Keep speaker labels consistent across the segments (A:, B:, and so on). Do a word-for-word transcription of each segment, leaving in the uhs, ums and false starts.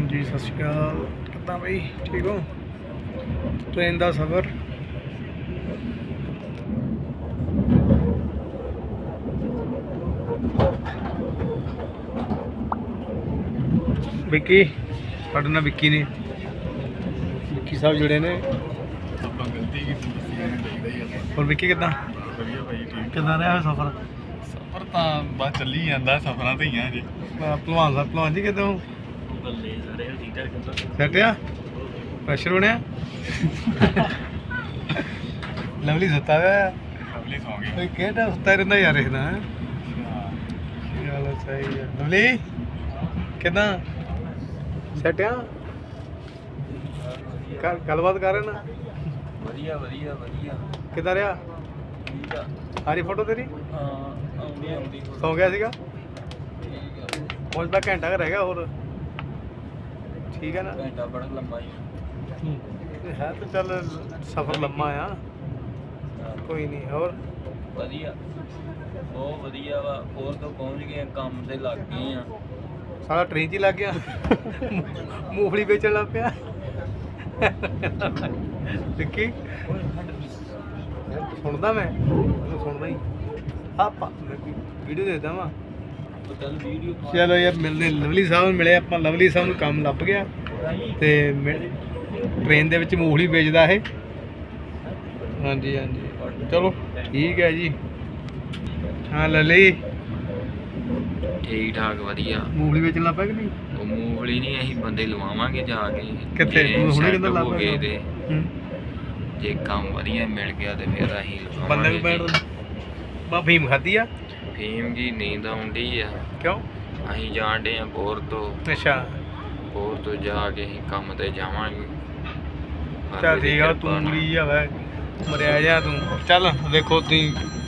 A: जी सत श्री अकाल कितना भाई ठीक हो। ट्रेन का सफ़र विक्की साढ़े नाल विक्की ने विक्की साहब जुड़े ने और विक्की कितना कितना रहा सफ़र
B: सफर ਤਾਂ ਬਸ ਚੱਲੀ ਜਾਂਦਾ ਸਫਰਾਂ ਤੇ ਹੀ ਆ ਜੀ
A: भलवान साहब भलवान जी कितों
B: ਬੱਲੇ ਸਾਰੇ ਠੀਕ ਠਾਕ
A: सैट आ प्रेशर बनया लवली सुता हुआ
B: ਲਵਲੀ ਸੌਂ ਗਈ
A: केड़ा सुता रहा यार इतना है चलो सही है लवली कितना सैट आ गलबात कर रहे ना
B: ਵਧੀਆ ਵਧੀਆ ਵਧੀਆ
A: कितना रहा
B: ਠੀਕ ਆ
A: आ रही फोटो तेरी
B: ਹਾਂ ਆਉਂਦੀ ਆਉਂਦੀ
A: सौ गया सीगा
B: ਠੀਕ ਆ
A: पहुंचता घंटा का रह गया और ठीक है ना
B: ਘੰਟਾ ਬੜਾ ਲੰਮਾ ਹੀ
A: है तो चल सफ़र लम्बा आ कोई नहीं और
B: ਵਧੀਆ ਬਹੁਤ ਵਧੀਆ ਵਾ ਹੋਰ ਤੋਂ ਪਹੁੰਚ ਗਏ ਕੰਮ ਤੇ ਲੱਗ ਗਏ ਆ
A: सारा ट्रेन च ही लग गया मूंगफली बेचन लग पिया विक्की सुनता मैं सुनता ही आप वीडियो देता वा
B: ਚੱਲ ਵੀਡੀਓ
A: चलो यार मिलने लवली साहब ਨੂੰ ਮਿਲੇ ਆਪਾਂ लवली साहब ਨੂੰ ਕੰਮ ਲੱਭ ਗਿਆ ਤੇ ट्रेन ਦੇ ਵਿੱਚ ਮੂੰਗਫਲੀ ਵੇਚਦਾ ਇਹ ਹਾਂਜੀ ਹਾਂਜੀ ਚਲੋ ਠੀਕ ਹੈ ਜੀ ਹਾਂ ਲਲੀ
C: ਠੀਕ ਠਾਕ ਵਧੀਆ
A: ਮੂੰਗਫਲੀ ਵੇਚਣ ਲੱਗ ਪਿਆ ਕਿ ਨਹੀਂ
C: ਉਹ ਮੂੰਗਫਲੀ ਨਹੀਂ ਅਸੀਂ ਬੰਦੇ ਲਵਾਵਾਂਗੇ ਜਾ ਕੇ
A: ਕਿੱਥੇ?
C: ਜੇ
A: ਹੁਣੇ
C: set
A: ਕਿੱਦਾਂ ਲੱਭ
C: ਹੋ ਗਏ
A: ਪਿਆ?
C: ਤੇ
A: ਹੂੰ
C: ਜੇ ਕੰਮ ਵਧੀਆ ਮਿਲ ਗਿਆ ਤੇ ਫਿਰ ਅਸੀਂ
A: ਬੰਦੇ ਨੂੰ
C: ਲਵਾਵਾਂਗੇ
A: ਬੈਠ ਬਾ ਫੀਮ ਖਾਦੀ ਆ
C: ਫੀਮ ਜੀ ਨੀਂਦ ਆਉਂਦੀ ਆ
A: ਕਿਉਂ
C: ਅਸੀਂ ਜਾਣਦੇ ਆ ਬੋਰ ਤੋਂ
A: ਅੱਛਾ
C: ਬੋਰ ਤੋਂ ਜਾ ਕੇ ਅਸੀਂ ਕੰਮ ਤੇ ਜਾਵਾਂਗੇ
A: ਚੱਲ ਠੀਕ ਆ ਤੂੰ ਵੀ ਆ ਵੇ ਮਰਿਆ ਜਾ ਤੂੰ ਚੱਲ ਦੇਖੋ ਤੁਸੀਂ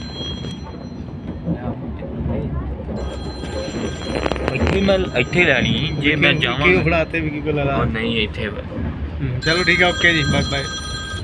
C: ਇੱਥੇ ਮੈਂ ਇੱਥੇ ਲੈਣੀ ਜੇ ਮੈਂ ਜਾਵਾਂ
A: ਕਿਉਂ ਫੜਾਤੇ ਵੀ ਕੀ ਕੋਲ ਲਾ
C: ਉਹ ਨਹੀਂ ਇੱਥੇ
A: ਚਲੋ ਠੀਕ ਆ ਓਕੇ ਜੀ ਬਾਏ ਬਾਏ